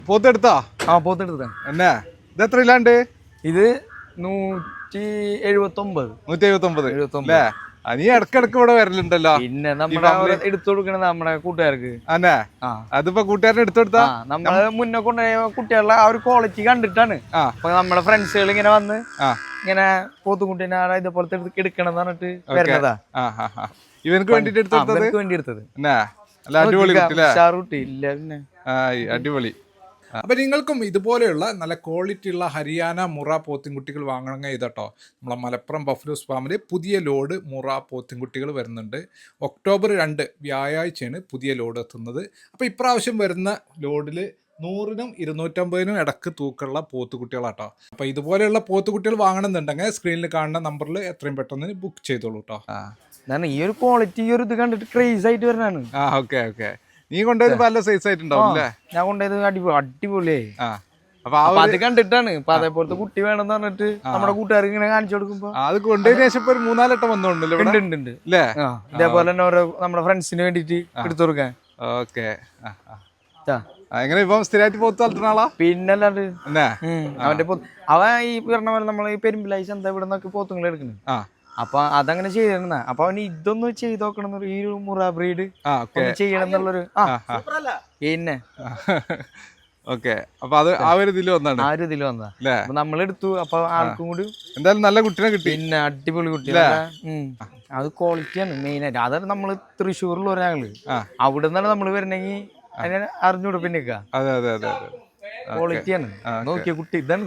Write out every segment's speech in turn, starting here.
പോത്തെടുത്താ? ആ പോത്തെടുത്ത എന്നാ ഇത് എത്ര ഇല്ലാണ്ട്? ഇത് 179 അല്ലേ? നീ ഇടക്കിടക്ക് ഇവിടെ വരലുണ്ടല്ലോ. പിന്നെ നമ്മുടെ എടുത്തു കൊടുക്കണത് നമ്മുടെ കൂട്ടുകാർക്ക്. അന്നെ അതിപ്പോ കൂട്ടുകാരനെ എടുത്തെടുത്താ നമ്മള് മുന്നേ കൊണ്ടുപോയ കുട്ടികളുടെ ആ ഒരു ക്വാളിറ്റി കണ്ടിട്ടാണ് അപ്പൊ നമ്മളെ ഫ്രണ്ട്സുകൾ ഇങ്ങനെ വന്ന് ഇങ്ങനെ പോത്തുകുട്ടീനെ ഇതേപോലത്തെ എടുക്കണം എന്ന് പറഞ്ഞിട്ട് വരുന്നതാ. ഇവനക്ക് വേണ്ടിട്ട് എടുത്തത്. അടിപൊളി. അപ്പം നിങ്ങൾക്കും ഇതുപോലെയുള്ള നല്ല ക്വാളിറ്റി ഉള്ള ഹരിയാന മുറ പോത്തിൻകുട്ടികൾ വാങ്ങണമെങ്കിൽ ഇതട്ടോ നമ്മളെ മലപ്പുറം ബഫലോസ് ഫാമിൽ പുതിയ ലോഡ് മുറ പോത്തിൻകുട്ടികൾ വരുന്നുണ്ട്. ഒക്ടോബർ 2 വ്യാഴാഴ്ചയാണ് പുതിയ ലോഡ് എത്തുന്നത്. അപ്പോൾ ഇപ്രാവശ്യം വരുന്ന ലോഡിൽ 100-നും 250-നും ഇടക്ക് തൂക്കമുള്ള പോത്തുകുട്ടികളാട്ടോ. അപ്പോൾ ഇതുപോലെയുള്ള പോത്തുകുട്ടികൾ വാങ്ങണമെന്നുണ്ടെങ്കിൽ സ്ക്രീനിൽ കാണുന്ന നമ്പറിൽ എത്രയും പെട്ടെന്ന് ബുക്ക് ചെയ്തോളൂ കേട്ടോ. ഈ ഒരു ക്വാളിറ്റി ഈ ഒരു ഇത് കണ്ടിട്ട് ക്രേസ് ആയിട്ട് വരുന്നതാണ്. ഓക്കെ നീ കൊണ്ടുപോയത് പല സൈസ് ആയിട്ടുണ്ടാവും. ഞാൻ കൊണ്ടുപോയത് അടിപൊളിയായി. അപ്പൊ അത് കണ്ടിട്ടാണ് ഇപ്പൊ അതേപോലത്തെ കുട്ടി വേണമെന്ന് പറഞ്ഞിട്ട് നമ്മുടെ കൂട്ടുകാർക്ക് ഇങ്ങനെ കാണിച്ചു കൊടുക്കുമ്പോ അത് കൊണ്ടുപോയതിനു ശേഷം ഒരു 3-4 വട്ടം വന്നോണ്ടല്ലോ. ഇതേപോലെ തന്നെ ഓരോ നമ്മുടെ ഫ്രണ്ട്സിന് വേണ്ടിട്ട് എടുത്തു കൊടുക്കാൻ. ഓക്കെ എങ്ങനെ ഇപ്പം സ്ഥിരമായിട്ട് പോത്ത് വളർത്തുന്ന ആളാ? പിന്നല്ലാണ്ട് അവൻ ഈ പറഞ്ഞ പോലെ നമ്മള് ഈ പെരുമ്പിലായി ചന്ത ഇവിടെ നിന്നൊക്കെ പോത്തുങ്ങൾ എടുക്കുന്നു. അപ്പൊ അതങ്ങനെ ചെയ്തിരുന്ന അപ്പൊ അവന് ഇതൊന്ന് ചെയ്ത് നോക്കണം ഈ ഒരു മുറ ബ്രീഡ് ചെയ്യണം എന്നുള്ളൊരു പിന്നെ ഓക്കെ. അപ്പൊ അത് ആ ഒരു ഇതിൽ വന്നതാ അപ്പൊ നമ്മളെടുത്തു. അപ്പൊ ആൾക്കും കൂടി എന്തായാലും നല്ല കുട്ടീനെ കിട്ടി. പിന്നെ അടിപൊളി കുട്ടി. അത് ക്വാളിറ്റിയാണ് മെയിൻ ആയിട്ട്. അതാണ് നമ്മള് തൃശ്ശൂരിൽ ഒരാള് അവിടെ നിന്നാണ് നമ്മള് വരണമെങ്കിൽ അതിനെ അറിഞ്ഞൂടെ പിന്നെ ക്വാളിറ്റിയാണ്. നോക്കിയ കുട്ടി ഇതാണ്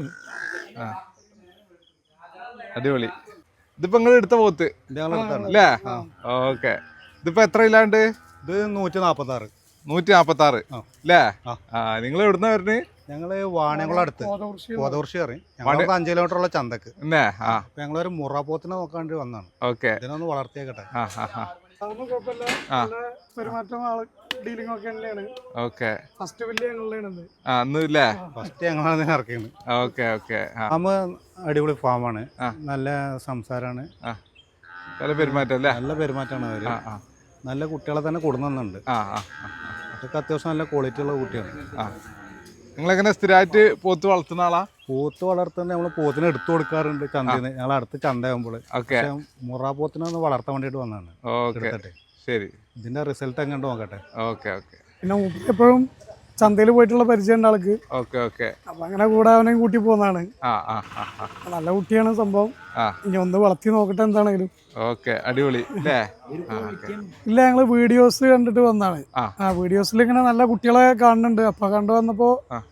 അടിപൊളി. ഇതിപ്പോ നിങ്ങൾ എടുത്ത പോത്ത് അല്ലേ? ഓക്കെ. ഇതിപ്പോ എത്ര ഇല്ലാണ്ട്? ഇത് 146 അല്ലേ? നിങ്ങൾ എവിടുന്ന വരുന്നത്? ഞങ്ങള് വാണിയംകുളം അടുത്ത് കോതകുറിശി കയറി 5 കിലോമീറ്റർ ഉള്ള ചന്തക്ക്. ഞങ്ങളൊരു മുറ പോത്തിനെ നോക്കാൻ വന്നാണ്. ഓക്കെ. ഇതിനൊന്ന് വളർത്തിയേക്കട്ടെ. അടിപൊളി ഫാമാണ്. നല്ല സംസാരമാണ്. നല്ല പെരുമാറ്റമാണ് അവര്. നല്ല കുട്ടികളെ തന്നെ കൊടുക്കുന്നുണ്ട്. അതൊക്കെ അത്യാവശ്യം നല്ല ക്വാളിറ്റി ഉള്ള കുട്ടിയാണ്. നിങ്ങളെങ്ങനെ സ്ഥിരമായിട്ട് പോത്ത് വളർത്തുന്ന ആളാ? പോത്ത് വളർത്തുന്ന നമ്മള് പോത്തിനെ എടുത്തു കൊടുക്കാറുണ്ട് ചന്തയിൽ. ഞങ്ങൾ അടുത്ത് ചന്തയാകുമ്പോൾ. മുറ പോത്തിനെ ഒന്ന് വളർത്താൻ വേണ്ടിട്ട് വന്നതാണ്. ശരി. ഇതിന്റെ റിസൾട്ട് എങ്ങനെ നോക്കട്ടെ. പിന്നെ എപ്പോഴും ചന്തയിൽ പോയിട്ടുള്ള പരിചയം ഉണ്ട് ആൾക്ക്. അപ്പൊ അങ്ങനെ കൂടെ അവനെ കൂട്ടി പോകുന്നതാണ്. നല്ല കുട്ടിയാണ് സംഭവം. ഇനി ഒന്ന് വളർത്തി നോക്കട്ടെ എന്താണെങ്കിലും. അടിപൊളി. ഇല്ല, ഞങ്ങള് വീഡിയോസ് കണ്ടിട്ട് വന്നാണ്. വീഡിയോസിൽ ഇങ്ങനെ നല്ല കുട്ടികളെ കാണുന്നുണ്ട്. അപ്പൊ കണ്ടു വന്നപ്പോ